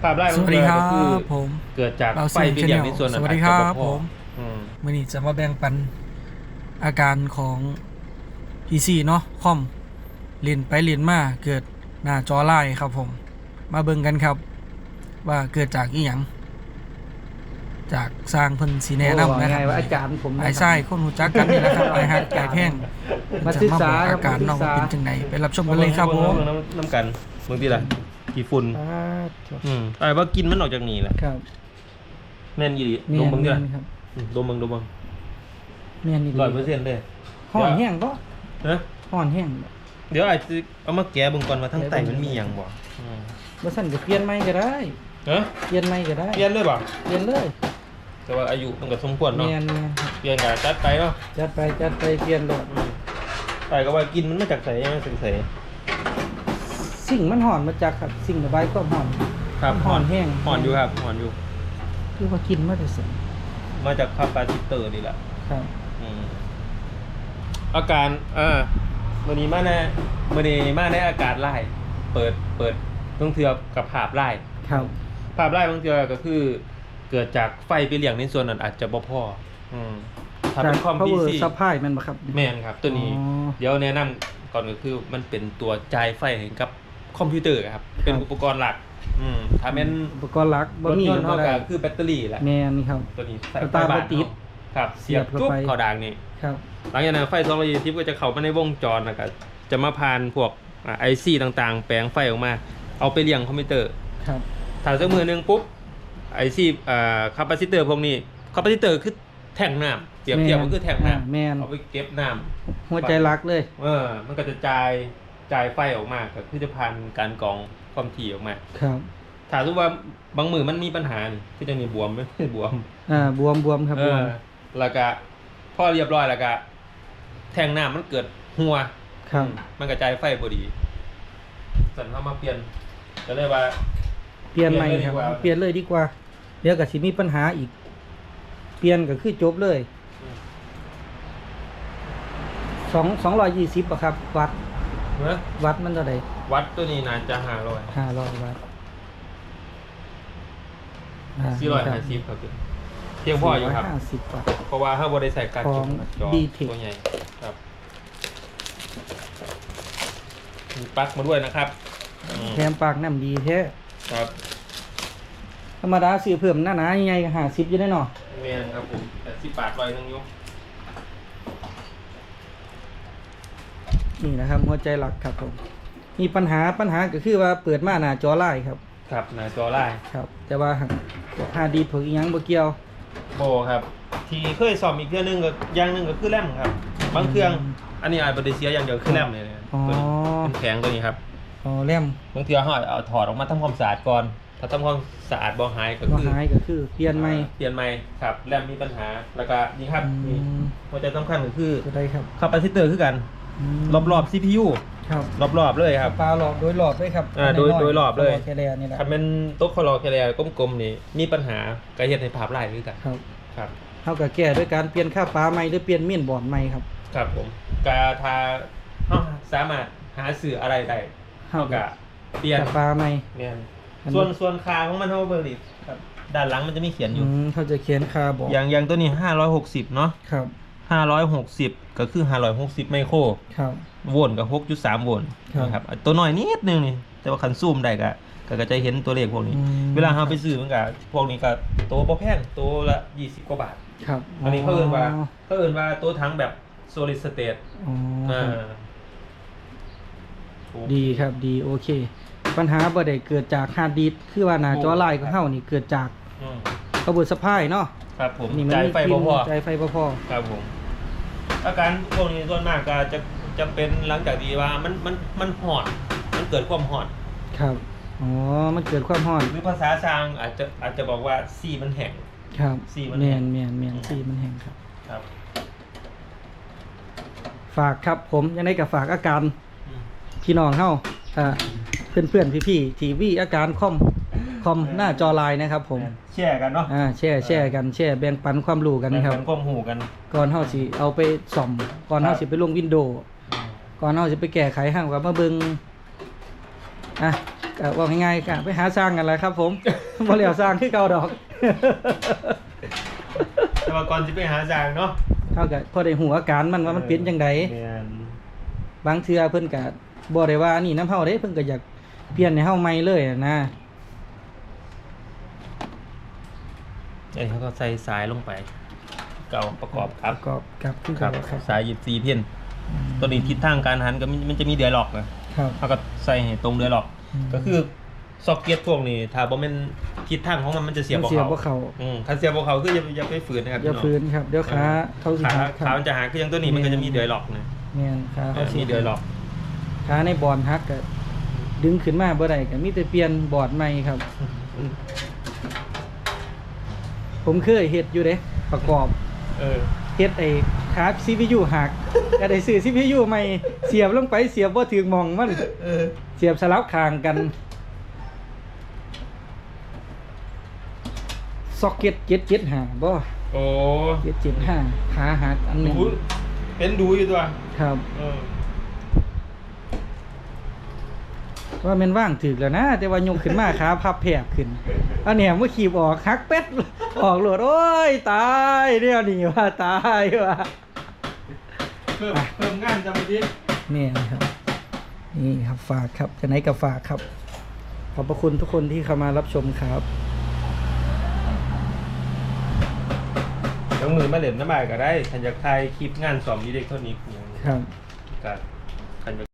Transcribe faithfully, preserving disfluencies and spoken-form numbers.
ภาพไล่มันสวัสดีครับก็คือผมเกิดจากเราไฟไปเลี้ยงในส่วนนั้นสวัสดีครับอาจจะผมอืมมื่อนี้จะมาแบ่งปันอาการของ พี ซี เนาะคอมเล่นไปเล่นมาเกิดหน้าจอลายครับผม มาเบิ่งกันครับ ว่าเกิดจากอีหยังจากสร้างเพิ่นสีแนะนำนะคไงรับว่าอาจารย์ผมไอ้ไส้คนหูจักกันนี่แหละครับไอ้ฮักไก่แท่งมาศึกษาจะครัอาบการมาศึเนาะกษาเป็นจังไดไปรับชมกันเลยครับผมน้ำน้ำกันบางทีล่ะกี่ฝุ่นอ่าอืมไอ้ว่ากินมันออกจากนี่แหละครับแม่นยี่เมีดยมนบางทีเมียล่ะนครับอืมดมบางดมบางเมียนนี่ร้อยเปอร์เซ็นต์เลยห่อนแห้งก็นะห่อนแห้งเดี๋ยวไอ้จะเอามาแกะเบิ่งก่อนว่าทั้งไตมันมีหยังบ่อืมบ่สั่นก็เปลี่ยนใหม่ก็ได้เอ้อเปลี่ยนใหม่ก็ได้เปลี่ยนเลยบ่เปลี่ยนเลยแต่ว่าอายุมันก็สมควรเนาะเมียนเมียนครับเปลี่ยนก็จัดไปเนาะจัดไปจัดไปเปลี่ยนเลยอืมไอ้ก็ว่ากินมันมาจากไสยังไสสิ่งมันห่อนมาจากครับสิ่งระบายความห่อนครับห่อนแห้งห่อนอยู่ครับห่อนอยู่คือว่ากินมาแต่เสร็จมาจากคาปาซิเตอร์นี่แหละครับอืมอาการอ่ามื่อนี้มาในมื่อนี้มาในอากาศไล่เปิดเปิดต้องเทือกับภาพไล่ครับภาพไล่บางเทือก็คือ เกิดจากไฟไปเลี้ยงในส่วนนั้นอาจจะบ่พออืมถ้าเป็นคอมพาวพีเวอซีร์ซัพพลายมันบ่ครับแม่นครับ ตัวนี้อ๋อเดี๋ยวแนะนำก่อนก็คือมันเป็นตัวจ่ายไฟให้กับคอมพิวเตอร์ครับ เป็นอุปกรณ์หลัก อืมถ้าเป็นอุปกรณ์หลักรบ่ถมียนต์เท่าเท่าไหกัร่บคือแบตเตอรี่แหละแม่นนี่ครับตัวนี้ใส่สตาร์ทไฟบ่ติดครับเสีเสียยบบเข้าจุ๊บไปเข้าด่างนี่ครับหลังจากนั้นไฟสองร้อยยี่สิบก็จะเข้ามาในวงจรนะครับจะมาผ่านพวกไอซีต่างๆ แปลงไฟออกมา เอาไปเลี้ยงคอมพิวเตอร์ครับถ้าสักมือหนึงปุ๊บไอซีอ่าคาปาซิเตอร์พวกนี้คาปาซิเตอร์คือแท่งน้ำเปรียบเทียบก็คือแท่งน้อ่าแม่นำเอาไปเก็บน้ำหัวใจรักเลยเออมันก็จะจ่ายจ่ายไฟออกมาก็คือจะผ่านการกรองความถี่ออกมาครับถ้าสมมติว่าบางมือมันมีปัญหานี่คือจะมีบวมไหม บวมอ่าบวมบวมครับเอบวอมแล้วก็พอเรียบร้อยแล้วก็แทงน้ำมันเกิดหัวครับมันกระจายไฟพอดีสันเข้ามาเปลี่ยนก็เลยว่าเปลี่ยนใหม่เปลี่คยนเลยดีกว่ารับเปลี่ยนเลยดีกว่า เดี๋ยวก็สิมีปัญหาอีก เปลี่ยนก็คือจบเลยสองสองร้อยยี่สิบอะครับ วัดเนอะวัดมันเท่าไหร่วัดตัวนี้น่าจะห้าร้อยห้าร้อยวัดสี่ร้อยห้าสิบครับเพียงพออยู่ครับห้าสิบวัตต์เพราะว่าถ้าบริใส่การขจุองจอดีเทคตัวใหญ่ครับมีปลั๊กมาด้วยนะครับอืมแถมปากน้ำดีแท้ครับธรรมดาซื้อเพิ่มหน้าหนายังไงห้าสิบอยู่ได้เนาะเมียนครับผมแต่สิบบาทลอยนึงอยุนี่นะครับหัวใจหลักครับผมมีปัญหาปัญหาก็คือว่าเปิดมาหน้าจอไล่ครับครับหน้าจอไล่ครับ แต่ว่าบอกฮาร์ดดีผึกอีหยังบ่เกี่ยวโบครับ ที่เคยสอบอีกเครื่องหนึงก็อย่างหนึงก็คือแรมครับ บางเครื่อง อันนี้อาจจะเสียอย่างเดียวคือแรมเลยนะอ๋อตัวนี้เป็นแข็งตัวนี้ครับอ๋อแรมบางทีเขาเอาถอดออกมาทำความสะอาดก่อน ถ้าทำความสะอาดบ่หายก็บ่คือหายก็คือเปลี่ยนใหม่เปลี่ยนใหม่ครับแรมมีปัญหาแล้วก็นี่ครับอืมนี่หัวใจสำคัญก็คือก็ได้ครับคาปาซิเตอร์คือกันมรอบๆ ซี พี ยูครับรอบๆเลยครับปลาหลอดโดยหลอดด้วยครับอ่าโดยน้ๆโดยหลอดเลยแค่แลนี่แหละถ้าเป็นโต๊ะคอลอแคเรียกลมๆนี่มีปัญหากระเฮ็ดให้ภาพลายคือกันครับครับเท่ากับแก้ด้วยการเปลี่ยนค่าปลาใหม่หรือเปลี่ยนเมียนบอร์ดใหม่ครับครับผมกาทาเฮาสามารถหาสื่ออะไรได้เท่ากับเปลี่ยนค่าปลาใหม่เนี่ยอันนี้ส่วนส่วนคาของมันเท่าเบอร์ดิครับด้านหลังมันจะมีเขียนออืยู่มเขาจะเขียนค่าบอกอย่างอย่างตัวนี้ห้าร้อยหกสิบเนาะครับห้าร้อยหกสิบก็คือห้าร้อยหกสิบไมโครครับโวลต์กับหกจุดสามโวลต์ครับนะครับตัวน้อยนิดนึงนี่แต่ว่าคันซูมได้ก็ก็ก็จะเห็นตัวเลขพวกนี้อืมเวลาเราไปซื้อมันก็พวกนี้ก็ตัวบ่แพงตัวละยี่สิบกว่าบาทครับอันนี้เขาเอิ้นว่าเขาเอิ้นว่าตัวทั้งแบบ solid state อ๋ออ่าครับดีครับดีโอเค ปัญหาบ่ได้เกิดจากฮาร์ดดิสก์คือว่าหน้าจอไลน์ของเฮานี่เกิดจากอืมระบบสะพายเนาะครับผมนี่มันจ่ายมีไฟพิบ่นพอใจไฟบ่พอครับผมอาการพวกนี้ส่วนมากก็จะจะเป็นหลังจากที่ว่ามันมันมันหอดมันเกิดความหอดครับอ๋อมันเกิดความร้อนหรือภาษาชางอาจจะอาจจะบอกว่าซีมันแห้งครับสีมันแมแห้นงแมนแมนสีมันแห้งครับครับฝากครับผมยังไงกับฝากอาการอืมพี่น้องเฮาอ่าเพื่อนเพื่อนพี่พี่ๆทีวีอาการคอมคอมหน้าจอไลน์นะครับผมแชร์กันเนาะอ่าแชร์แชร์กันแชร์แบ่งปันความรู้กันนะครับแบ่งความหูกันก่อนเฮาสิเอาไปซ่อมก่อนเฮาสิไปลงวินโดว์ก่อนเฮาสิไปแก้ไขห้างกับมาเบิ่งอ่ะก็ว่าง่ายๆก็ไปหาสร้างกันแหละครับ ผม บ่เหลียวสร้างคือเก่าดอกแต่ว่าก่อนจะไปหาจางเนาะเท่ากับพอได้หูอาการมันว่ามันเป็นจังไดแม่นบางเทื่อเพิ่นก็บ่ได้ว่านี่น้ำเฮาเด้เพิ่นก็อยากเปลี่ยนให้เฮาใหม่เลยอะนะไอ้เขาก็ใส่สายลงไป เก่าประกอบครับประกอบกับคือครัเก่าบครับสายหยิบซีเพี้ยนตัวนี้ทิศทางการหันก็มันมันจะมีเดือยหลอกนะครับ เขาก็ใส่ให้ตรงเดือยหลอกอืมก็คือซอกเก็ตพวกนี้ถ้าบ่แม่นทิศทางของมันมันจะเสียบมันบ่เสียบเขาบ่เข้าอืมคันเสียบบ่เขาคืออย่าอย่าไปฝืนนะครับอย่าพี่ฝืน้องนครับเดี๋ยวขาเขาสิขาหักคขารับมันจะหักคืออย่างตัวนี้มันก็จะมีเดือยหลอกนะแม่นขาเอเขาอสิมีเดือยหลอกขาในบอร์ดหักก็ดึงขึ้นมาบ่ได้ก็มีแต่เปลี่ยนบอร์ดใหม่ครับ ผมเคยเฮ็ดอยู่เด้ประกอบเออเฮ็ดไอ้ขา ซี พี ยู หัก ก็ได้ซื้อ ซี พี ยู ใหม่เสียบลงไปเสียบบ่ถึงหม่องมันเออเสียบสลับข้างกันซ็อกเก็ตเจ็ดเจ็ดห้าบ่โอ้เจ็ดเจ็ดห้าขาหักอันหนึดูงเห็นดูอยู่ตัวครับเออว่าแม่นว่างถึกแล้วนะ แต่ว่ายกขึ้นมาขาพับแผบขึ้นอันเนี้ยเมื่อขีบออกหักเป็ดออกโลดโอ้ยตายเดี๋ยวนี้ว่าตายว่าเพิ่มเพิ่มงานจะมาดินี่ครับ นี่ครับฝากครับจะไหนกับฝากครับ ขอบพระคุณทุกคนที่เข้ามารับชมครับต้องมือมาเล่นน้ำบายก็ได้ทันอยากถ่ายคลิปงานสอมอิเล็กทรอนิกส์อย่างนี้ครับก็ทันอยาก